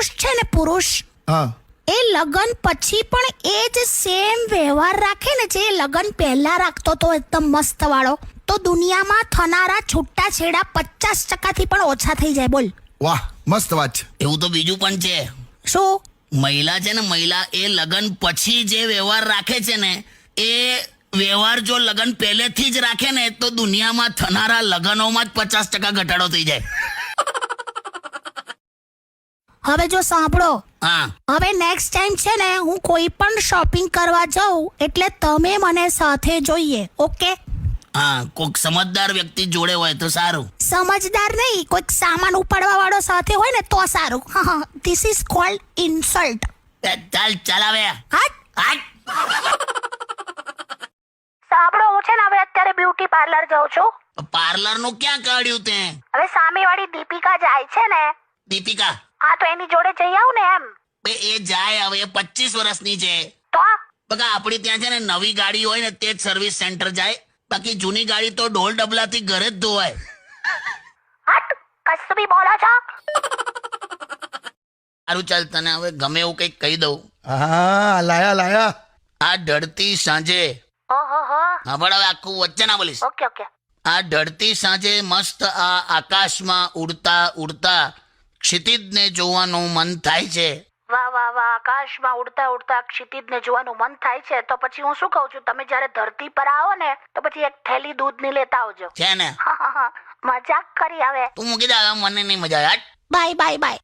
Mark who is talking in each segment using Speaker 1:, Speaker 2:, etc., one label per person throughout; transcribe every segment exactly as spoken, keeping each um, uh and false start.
Speaker 1: પુરુષ છે ને પુરુષ
Speaker 2: હા
Speaker 1: એ લગન પછી પણ એ જ સેમ વ્યવહાર રાખે ને જે લગન પહેલા રાખતો તો એકદમ મસ્ત વાળો, તો દુનિયામાં થનારા છૂટાછેડા પચાસ ટકાથી પણ ઓછા થઈ જાય. બોલ.
Speaker 2: વાહ, મસ્ત વાત છે.
Speaker 3: એવું તો બીજું પણ છે.
Speaker 1: શું?
Speaker 3: મહિલા છે ને, મહિલા એ લગન પછી જે વ્યવહાર રાખે છે ને, એ વ્યવહાર જો લગન પહેલેથી જ રાખે ને તો દુનિયામાં થનારા લગનોમાં જ પચાસ ટકા ઘટાડો થઈ જાય.
Speaker 1: હવે જો સાંભળો,
Speaker 3: હા,
Speaker 1: હવે નેક્સ્ટ ટાઈમ છે ને હું કોઈ પણ શોપિંગ કરવા જાઉં એટલે તમે મને સાથે જોઈએ. ઓકે?
Speaker 3: હા, કોઈક સમજદાર વ્યક્તિ જોડે હોય તો સારું.
Speaker 1: સમજદાર નહીં, કોઈક સામાન ઉપાડવા વાળો સાથે હોય ને તો સારું. This is called insult.
Speaker 3: એ ચાલ ચાલ આવે
Speaker 1: હટ.
Speaker 3: હાટ.
Speaker 1: સાંભળો, હું છે ને હવે અત્યારે બ્યુટી પાર્લર જાઉં છું.
Speaker 3: પાર્લર નું ક્યાં કાઢ્યું તે?
Speaker 1: હવે સામેવાળી દીપિકા જાય છે ને,
Speaker 3: દીપિકા?
Speaker 1: હા તો એની જોડે જઈ આવું ને એમ.
Speaker 3: બે એ જાય, હવે એ પચીસ વર્ષની છે.
Speaker 1: તો
Speaker 3: બકા આપડી ત્યાં છે ને નવી ગાડી હોય ને તે જ સર્વિસ સેન્ટર જાય, બાકી જૂની ગાડી તો ઢોલ ડબલાથી ઘરે જ ધોવાય.
Speaker 1: હટ, કશું બી બોલો છો.
Speaker 3: સારું ચાલ, તને હવે ગમે એવું કંઈક કહી દઉં.
Speaker 2: હા, લાયા લાયા.
Speaker 3: આ ઢળતી સાંજે,
Speaker 1: ઓહો હો.
Speaker 3: હા પણ હવે આખું વચ્ચે ના બોલીશ.
Speaker 1: Okay okay.
Speaker 3: આ ઢળતી સાંજે મસ્ત આ આકાશમાં ઉડતા ઉડતા ક્ષિતિજને જોવાનું મન થાય છે.
Speaker 1: વાહ વાહ વાહ, આકાશમાં ઉડતા ઉડતા ક્ષિતિજને જોવાનું મન થાય છે. તો પછી હું શું કહું છું, તમે જ્યારે ધરતી પર આવો ને તો પછી એક થેલી દૂધની લેતા આવજો.
Speaker 3: છે ને?
Speaker 1: હા, હા, હા. મજાક કરી. હવે
Speaker 3: તું મૂકી દે, હવે મને નહીં મજા આવે.
Speaker 1: Bye bye bye.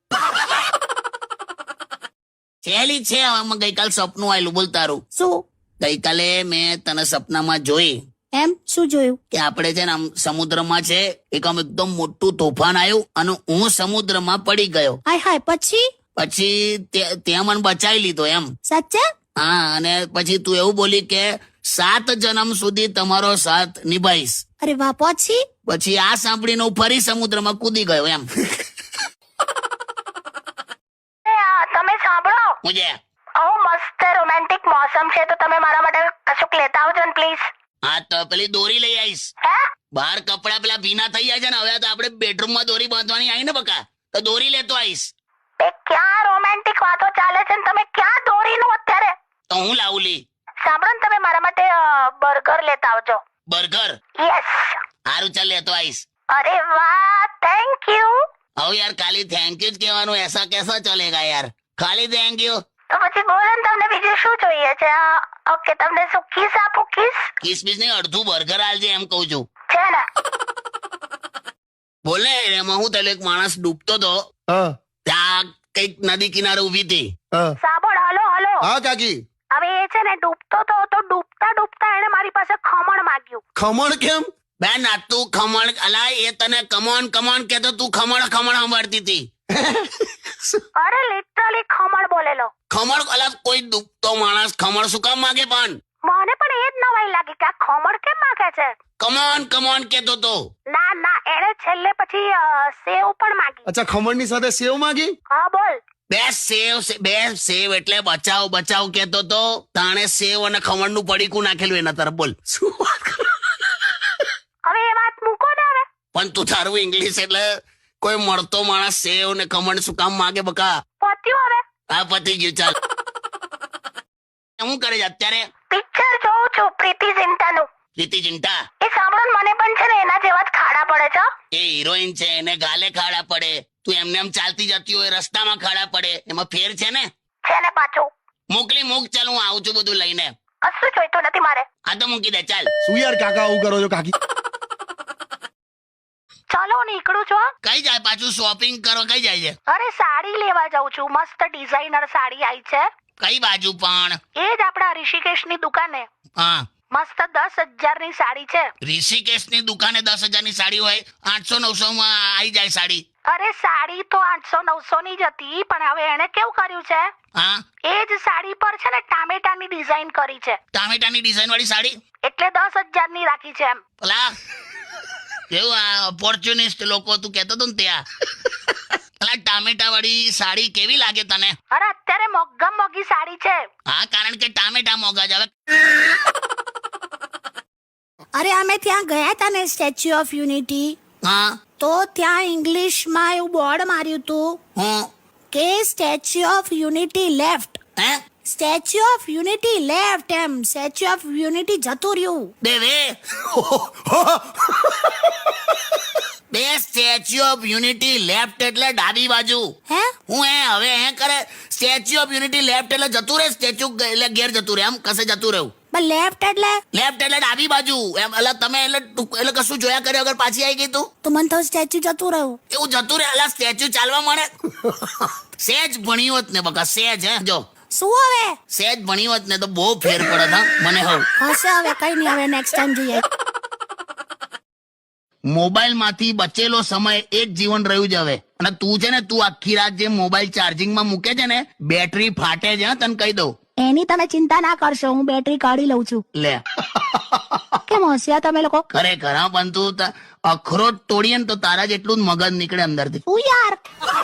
Speaker 3: છેલી છે. હવે મને ગઈકાલ સપનું આવેલું, બોલ તારું.
Speaker 1: શું?
Speaker 3: ગઈકાલે મેં તને સપનામાં જોઈ
Speaker 1: એમ? શું જોયું?
Speaker 3: કે આપણે છે ને આમ સમુદ્રમાં છે, એક આમ એકદમ મોટું તોફાન આવ્યું અને હું સમુદ્રમાં પડી ગયો.
Speaker 1: હાય હાય. પછી?
Speaker 3: પછી તે- ત્યાં મને બચાવી લીધો એમ.
Speaker 1: સાચે?
Speaker 3: હા, અને પછી તું એવું બોલી કે સાત જન્મ સુધી તમારો સાથ નિભાઈશ.
Speaker 1: અરે વાહ. પછી?
Speaker 3: પછી આ સાંભળીને હું ફરી સમુદ્રમાં કૂદી ગયો એમ.
Speaker 1: એ આ તમે સાંભળો,
Speaker 3: હું જે
Speaker 1: આવો મસ્ત રોમેન્ટિક મોસમ છે તો તમે મારા માટે કશુંક લેતા આવજો ને પ્લીઝ.
Speaker 3: હા તો પેલી દોરી લઈ આવીશ.
Speaker 1: હે?
Speaker 3: બહાર કપડા પેલા ભીના થઈ જાય છે ને, હવે તો આપણે બેડરૂમમાં દોરી બાંધવાની આવી ને બકા, તો દોરી લેતો આવીશ.
Speaker 1: એ ક્યાં રોમેન્ટિક વાતો ચાલે છે ને તમે ક્યાં દોરીનું અત્યારે?
Speaker 3: તો હું લાવું લી.
Speaker 1: સાંભળો ને, તમે મારા માટે બર્ગર લેતા આવજો.
Speaker 3: બર્ગર?
Speaker 1: યસ.
Speaker 3: સારું ચાલ, લેતો આવીશ.
Speaker 1: અરે વાહ, થેન્ક યુ.
Speaker 3: હવે યાર ખાલી થેન્ક યુ જ કહેવાનું, એસા કેસા ચલેગા યાર, ખાલી થેન્ક યુ.
Speaker 1: તો પછી બોલો ને, તમને બીજું શું જોઈએ છે? ઓકે, તમને શું કિસ આપું? કિસ
Speaker 3: કિસ બીસ નહીં, અડધું બર્ગર આલજે એમ કહું છું.
Speaker 1: છે ને?
Speaker 3: બોલે એમાં હું પેલો એક માણસ ડૂબતો તો,
Speaker 2: હા
Speaker 3: ત્યાં કઈક નદી કિનારે ઉભી હતી.
Speaker 2: હા
Speaker 1: સાંભળ, હલો હલો.
Speaker 2: હા કાકી.
Speaker 1: હવે એ છે ને ડૂબતો તો તો ડૂબતા ડૂબતા એને મારી પાસે ખમણ માંગ્યું.
Speaker 2: ખમણ કેમ?
Speaker 3: બેન આ તું ખમણ, અલા એ તને કમોન કમોન કેતો, તું ખમણ ખમણ સાંભળતી હતી.
Speaker 1: અરે લિટરલી ખમણ બોલેલો.
Speaker 3: ખમણ? અલા કોઈ ડૂબતો માણસ ખમણ શું કામ માગે? પણ
Speaker 1: મને પણ એ જ નવાઈ લાગી કે આ ખમણ કેમ માંગે છે.
Speaker 3: કમોન કમોન કેતો તો.
Speaker 1: ના ના, એને છેલ્લે પછી અ, સેવ પણ માંગી.
Speaker 2: અચ્છા, ખમણની સાથે સેવ માંગી?
Speaker 1: હા બોલ.
Speaker 3: બે સેવ સે- બે સેવ એટલે બચાવ બચાવ કેતો તો, તાણે સેવ અને ખમણ નું પડીકું નાખેલું એના તરફ. બોલ.
Speaker 2: શું વાત કરો?
Speaker 1: હવે એ વાત મૂકો ને. હવે
Speaker 3: પણ તું તારું ઇંગ્લિશ એટલે કોઈ મળતો માણસ સેવ ને ખમણ શું કામ માગે બકા?
Speaker 1: પત્યું. હવે
Speaker 3: આ પતી ગયું, ચાલ. શું કરે છે અત્યારે?
Speaker 1: પિક્ચર જોઉં છું પ્રીતિ ઝિંટાનું.
Speaker 3: પ્રીતિ ઝિંટા?
Speaker 1: એ સાંભળો ને, મને પણ છે ને એના જેવા જ ખાડા પડે છે.
Speaker 3: એ હિરોઈન છે, એને ગાલે ખાડા પડે. તું એમને એમ ચાલતી જતી હોય રસ્તામાં ખાડા પડે, એમાં ફેર છે ને?
Speaker 1: છે ને પાછું.
Speaker 3: મોકલી મૂક, ચાલ હું આવું છું બધું લઈને.
Speaker 1: કશું જોઈતું નથી મારે.
Speaker 3: આ તો મૂકી દે, ચાલ.
Speaker 2: શું યાર કાકા આવું કરો છો કાકી?
Speaker 1: ચાલો હું નીકળું છું. હા?
Speaker 3: કઈ જાય પાછું શોપિંગ કરો? કઈ જાય છે?
Speaker 1: અરે સાડી લેવા જાઉં છું. મસ્ત ડિઝાઇનર સાડી આવી છે.
Speaker 3: કઈ બાજુ પણ?
Speaker 1: એ જ આપણા ઋષિકેશની દુકાને.
Speaker 3: હા,
Speaker 1: મસ્ત દસ હજાર ની સાડી છે.
Speaker 3: ઋષિકેશ ની દુકાને દસ હજાર ની સાડી હોય? આઠસો નવસો માં આવી જાય સાડી.
Speaker 1: અરે સાડી તો આઠસો નવસો ની જ હતી, પણ હવે એને કેવું કર્યું છે,
Speaker 3: હા,
Speaker 1: એ જ સાડી પર છે ને ટામેટાની ડિઝાઇન કરી છે,
Speaker 3: ટામેટાની ડિઝાઇન વાળી સાડી?
Speaker 1: એટલે દસ હજાર ની રાખી છે એમ.
Speaker 3: પેલા કેવું આ ઓપોર્ચ્યુનિસ્ટ લોકો તું કહેતો હતો ને ત્યાં. પેલા ટામેટા વાળી સાડી કેવી લાગે તને?
Speaker 1: અરે અત્યારે મોંઘા મોંઘી સાડી છે.
Speaker 3: હા, કારણ કે ટામેટા મોંઘા જ. હવે
Speaker 1: અરે અમે ત્યાં ગયા હતા ને સ્ટેચ્યુ ઓફ યુનિટી,
Speaker 3: હા,
Speaker 1: તો ત્યાં ઇંગ્લિશમાં એવું બોર્ડ માર્યું હતું
Speaker 3: હું
Speaker 1: કે સ્ટેચ્યુ ઓફ યુનિટી લેફ્ટ.
Speaker 3: હે
Speaker 1: સ્ટેચ્યુ ઓફ યુનિટી લેફ્ટ એમ સ્ટેચ્યુ ઓફ યુનિટી જતું રહ્યું.
Speaker 3: બે બે બે સ્ટેચ્યુ ઓફ યુનિટી લેફ્ટ એટલે ડાબી બાજુ.
Speaker 1: હે
Speaker 3: હું એ હવે હે કરે સ્ટેચ્યુ ઓફ યુનિટી લેફ્ટ એટલે જતું રહે, સ્ટેચ્યુ એટલે ઘેર જતું રહે, આમ કસે જતું રહેવું.
Speaker 1: પણ લેફ્ટ એટલે
Speaker 3: લેફ્ટ એટલે ડાબી બાજુ એમ. એટલે તમે એટલે ટૂંક- એટલે કશું જોયા કર્યા વગર પાછી આવી ગઈ તું.
Speaker 1: તો મને તો સ્ટેચ્યુ જતું રહ્યું.
Speaker 3: એવું જતું રહે અલા સ્ટેચ્યુ ચાલવા મળે. સેજ ભણ્યું હોત ને બકા, સેજ હે જો
Speaker 1: શું હવે
Speaker 3: સેજ ભણી હોત ને તો બહુ ફેર પડે હા મને હવ.
Speaker 1: હશે હવે કઈ નહીં, હવે નેક્સ્ટ ટાઈમ જોઈએ.
Speaker 3: મોબાઈલ માંથી બચેલો સમય એક જીવન રહ્યું જ હવે. અને તું છે ને તું આખી રાત જે મોબાઈલ ચાર્જિંગમાં મૂકે છે ને બેટરી ફાટે છે હા, તને કહી દઉં.
Speaker 1: એની તમે ચિંતા ના કરશો, હું બેટરી કાઢી લઉં છું.
Speaker 3: લે
Speaker 1: કેમ હોશિયાર તમે લોકો.
Speaker 3: ખરેખર હા, પણ તું ત- અખરોટ તોડીએ ને તો તારા જેટલું જ મગજ નીકળે અંદરથી.
Speaker 1: શું યાર.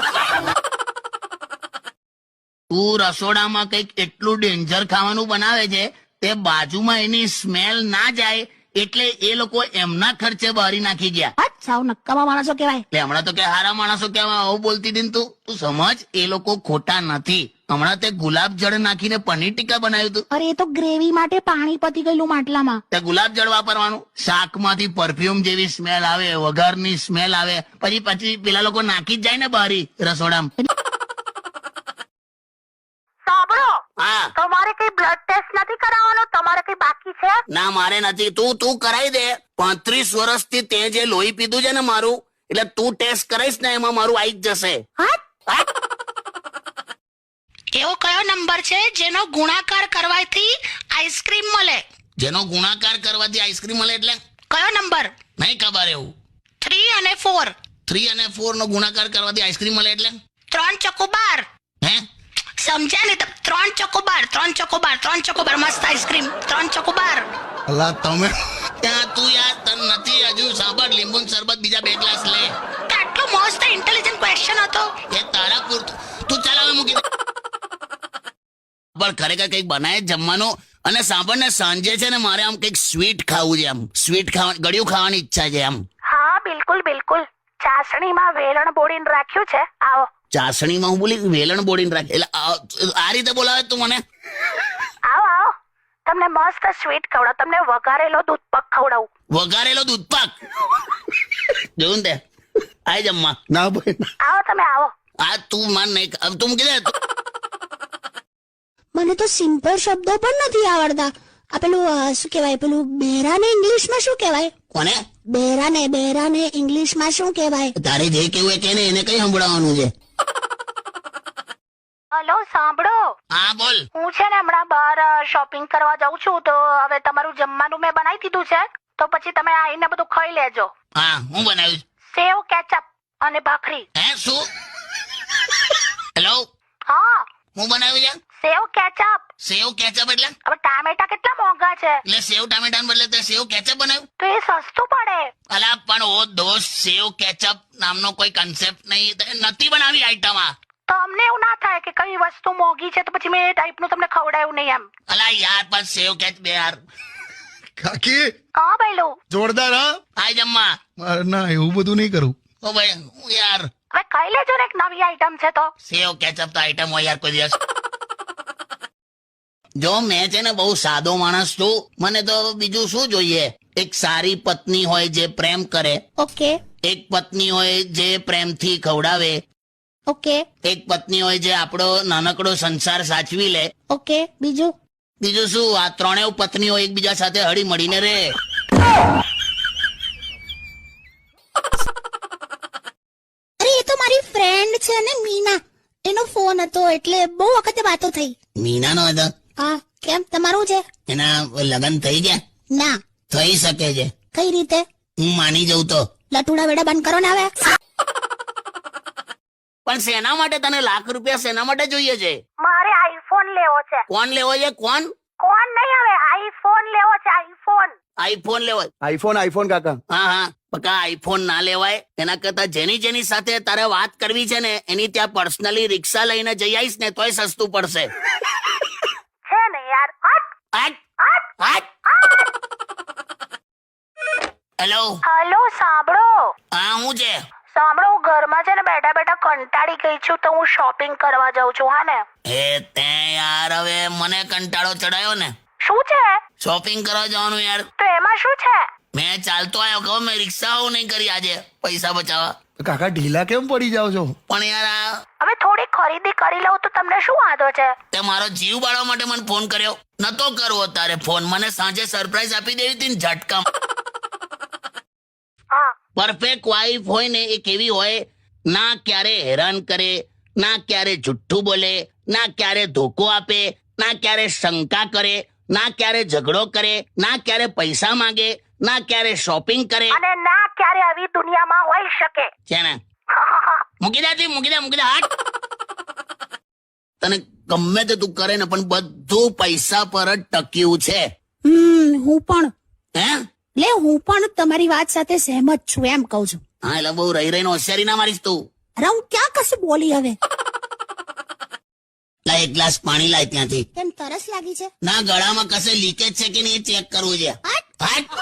Speaker 3: તું રસોડામાં કંઈક એટલું ડેન્જર ખાવાનું બનાવે છે તે બાજુમાં એની સ્મેલ ના જાય એટલે એ લોકો એમના ખર્ચે બહારી નાખી ગયા.
Speaker 1: હટ સાવ નક્કામાં માણસો કહેવાય.
Speaker 3: એટલે હમણાં તો કે હારા માણસો કેવા આવું બોલતી હતી ને તું તું સમજ એ લોકો ખોટા નથી. હમણાં તે ગુલાબ જળ નાખીને પનીર ટીકા બનાવ્યું હતું.
Speaker 1: અરે એ તો ગ્રેવી માટે પાણી પતી ગયેલું માટલામાં.
Speaker 3: તે ગુલાબ જળ વાપરવાનું. શાકમાંથી પરફ્યુમ જેવી સ્મેલ આવે, વઘારની સ્મેલ આવે, પછી પછી પેલા લોકો નાખી જ જાય ને બહારી રસોડામાં.
Speaker 1: સાંભળો,
Speaker 3: હા
Speaker 1: તમારે કઈ બ્લડ ટેસ્ટ નથી કરાવવાનો? તમારે કઈ બાકી છે?
Speaker 3: ના મારે નથી. તું તું કરાવી દે. પાંત્રીસ વર્ષથી તે જે લોહી પીધું છે ને મારું, એટલે તું ટેસ્ટ કરાઈશ ને એમાં મારું આવી જ જશે.
Speaker 1: હટ. એવો કયો નંબર છે જેનો ગુણાકાર કરવાથી આઈસ્ક્રીમ મળે?
Speaker 3: જેનો ગુણાકાર કરવાથી આઈસ્ક્રીમ મળે એટલે
Speaker 1: કયો નંબર?
Speaker 3: નહીં ખબર. એવું
Speaker 1: થ્રી અને ફોર.
Speaker 3: થ્રી અને ફોર નો ગુણાકાર કરવાથી આઈસ્ક્રીમ મળે એટલે
Speaker 1: ત્રણ ચોકો બાર.
Speaker 3: હે
Speaker 1: સમજ્યા ને? ત- ત્રણ ચોકો બાર, ત્રણ ચોકો બાર, ત્રણ ચોકો બાર. મસ્ત આઈસ્ક્રીમ. ત્રણ ચોકો બાર.
Speaker 2: અલા તમે
Speaker 3: ત્યાં તું યાર તન નથી હજુ સાંભળ. લીંબુ શરબત બીજા બે ગ્લાસ લે.
Speaker 1: આટલો મસ્ત ઇન્ટેલિજન્ટ ક્વેશ્ચન હતો.
Speaker 3: એ તારા પૂરતું તું ચાલ હવે મૂકી દે. પણ ખરેખર કંઈક બનાય જ જમવાનું. અને સાંભળ ને સાંજે છે ને મારે આમ કંઈક સ્વીટ ખાવું છે. આમ સ્વીટ ખાવા ગળ્યું ખાવાની ઈચ્છા છે. આમ
Speaker 1: હા બિલકુલ બિલકુલ. ચાસણીમાં વેલણ બોળીને રાખ્યું છે, આવો.
Speaker 3: ચાસણીમાં હું બોલી વેલણ બોડીને રાખે એટલે આ- આ રીતે બોલાવે તું મને.
Speaker 1: આવો આવો, તમને મસ્ત સ્વીટ ખવડાવ. તમને વઘારેલો દૂધપાક ખવડાવું.
Speaker 3: વઘારેલો દૂધપાક જોયું ને તે આય જમવા.
Speaker 2: ના ભાઈ ના.
Speaker 1: આવો તમે આવો.
Speaker 3: આ તું માન નહીં હવે તું મૂકી દે.
Speaker 1: મને તો સિમ્પલ શબ્દો પણ નથી આવડતા. આ પેલું અ, શું કહેવાય, પેલું બેરાને ઇંગ્લિશમાં શું કહેવાય?
Speaker 3: કોને
Speaker 1: બેરાને બેરાને ઇંગ્લિશમાં શું કહેવાય?
Speaker 3: તારે જે કેવું એ કે ને એને કઈ સંભળાવવાનું છે.
Speaker 1: હલો સાંભળો,
Speaker 3: હા બોલ.
Speaker 1: હું છે ને હમણાં બહાર શોપિંગ કરવા જાઉં છું, તો હવે તમારું જમવાનું મેં બનાવી દીધું છે, તો પછી તમે આવીને બધું ખાઈ લેજો.
Speaker 3: હા હું બનાવ્યું.
Speaker 1: સેવ કેચઅપ અને ભાખરી.
Speaker 3: હે શું? હેલો
Speaker 1: હા,
Speaker 3: હું બનાવ્યું છે
Speaker 1: સેવ કેચઅપ.
Speaker 3: સેવ કેચઅપ એટલે
Speaker 1: હવે ટામેટા કેટલા મોંઘા છે,
Speaker 3: એટલે સેવ ટામેટા બદલે તે સેવ કેચઅપ બનાવ્યું.
Speaker 1: તો એ સસ્તું પડે.
Speaker 3: અલા પણ ઓ દોસ્ત સેવ કેચઅપ નામનો કોઈ કન્સેપ્ટ નહીં. તે નથી બનાવી આઈટમ આ.
Speaker 1: તો અમને એવું ના થાય કે કઈ વસ્તુ મોંઘી છે તો પછી મેં એ ટાઈપનું તમને ખવડાવ્યું નહીં એમ.
Speaker 3: અલા યાર પણ સેવ કેચ બે યાર.
Speaker 2: કાકી
Speaker 1: હા ભાઈલું,
Speaker 2: જોરદાર હા.
Speaker 3: આય જમવા.
Speaker 2: મારે ના એવું બધું નહીં કરું.
Speaker 3: ઓ ભાઈ હું યાર
Speaker 1: હવે ખાઈ લેજો ને, એક નવી આઈટમ છે તો.
Speaker 3: સેવ કેચઅપ તો આઈટમ હોય યાર કોઈ દિવસ. જો મેં છે ને બહુ સાદો માણસ છું. મને તો બીજું શું જોઈએ? એક સારી પત્ની હોય જે પ્રેમ કરે,
Speaker 1: ઓકે
Speaker 3: એક પત્ની હોય જે પ્રેમથી ખવડાવે,
Speaker 1: ઓકે
Speaker 3: એક પત્ની હોય જે આપણો નાનકડો સંસાર સાચવી લે.
Speaker 1: ઓકે. બીજું?
Speaker 3: બીજું શું? આ ત્રણેય પત્નીઓ એકબીજા સાથે હળી મળીને રહે.
Speaker 1: અરે એ તો મારી ફ્રેન્ડ છે ને મીના, એનો ફોન હતો એટલે બહુ વખતે વાતો થઈ.
Speaker 3: મીનાનો હતો?
Speaker 1: હા, કેમ તમારું છે?
Speaker 3: એના લગ્ન થઈ ગયા?
Speaker 1: ના.
Speaker 3: થઈ શકે છે.
Speaker 1: કઈ રીતે?
Speaker 3: હું માની જઉં તો.
Speaker 1: લટુડા વેડા બંધ કરો ને હવે.
Speaker 3: પણ શેના માટે તને લાખ રૂપિયા શેના માટે જોઈએ છે?
Speaker 1: મારે આઈફોન લેવો છે.
Speaker 3: કોણ લેવો છે? કોણ?
Speaker 1: કોણ નહીં, હવે આઈફોન લેવો છે. આઈફોન.
Speaker 3: આઈફોન લેવો?
Speaker 2: આઈફોન આઈફોન કાકા.
Speaker 3: હા હા પક્કા આઈફોન ના લેવાય. એના કરતા જેની જેની સાથે તારે વાત કરવી છે ને એની ત્યાં પર્સનલી રિક્ષા લઈને જઈ આવીશ ને તોય સસ્તું પડશે.
Speaker 1: છે ને યાર. હટ
Speaker 3: હટ હટ. હેલો
Speaker 1: હલો સાંભળો,
Speaker 3: હા હું છે?
Speaker 1: સાંભળો હું ઘરમાં છે ને બેઠા બેઠા કંટાળી ગઈ છું તો હું શોપિંગ કરવા જાઉં છું હા ને
Speaker 3: એ તે યાર હવે મને કંટાળો ચડાયો ને.
Speaker 1: શું છે
Speaker 3: શોપિંગ કરવા જવાનું યાર.
Speaker 1: તો એમાં શું છે
Speaker 3: મેં ચાલતો આવ્યો કહો મેં રિક્ષાઓ નહીં કરી આજે પૈસા બચાવવા.
Speaker 2: કાકા ઢીલા કેમ પડી જાઓ છો?
Speaker 3: પણ યાર આ
Speaker 1: હવે થોડી ખરીદી કરી લઉં તો તમને શું વાંધો છે
Speaker 3: તે મારો જીવ બાળવા માટે મને ફોન કર્યો. નતો કરવો તારે ફોન, મને સાંજે સરપ્રાઈઝ આપી દેવી હતી ને ઝટકા.
Speaker 1: હા
Speaker 3: પરફેક્ટ વાઈફ હોય ને એ કેવી હોય, ના ક્યારે હેરાન કરે, ના ક્યારે જુઠ્ઠું બોલે, ના ક્યારે ધોકો આપે, ના ક્યારે શંકા કરે, ના ક્યારે ઝઘડો કરે, ના ક્યારે પૈસા માંગે, ના ક્યારે શોપિંગ કરે.
Speaker 1: અને ના ક્યારે આવી દુનિયામાં હોઈ શકે
Speaker 3: છે ને મૂકી દે તી, મૂકી દે મૂકી દે હાટ. તને ગમે તે તું કરે ને પણ બધું પૈસા પર જ ટક્યું છે.
Speaker 1: હમ હું પણ
Speaker 3: હે
Speaker 1: લે હું પણ તમારી વાત સાથે સહેમત છું એમ કહું છું.
Speaker 3: હા એટલે બહુ રહી રહીને હોશિયારી ના મારીશ તું.
Speaker 1: અરે હું ક્યાં કશું બોલી હવે
Speaker 3: લાય એક ગ્લાસ પાણી લાય ત્યાંથી.
Speaker 1: કેમ તરસ લાગી છે
Speaker 3: ના ગળામાં કશે લીકેજ છે કે નહીં ચેક કરવું છે.
Speaker 1: હટ.
Speaker 3: હાટ.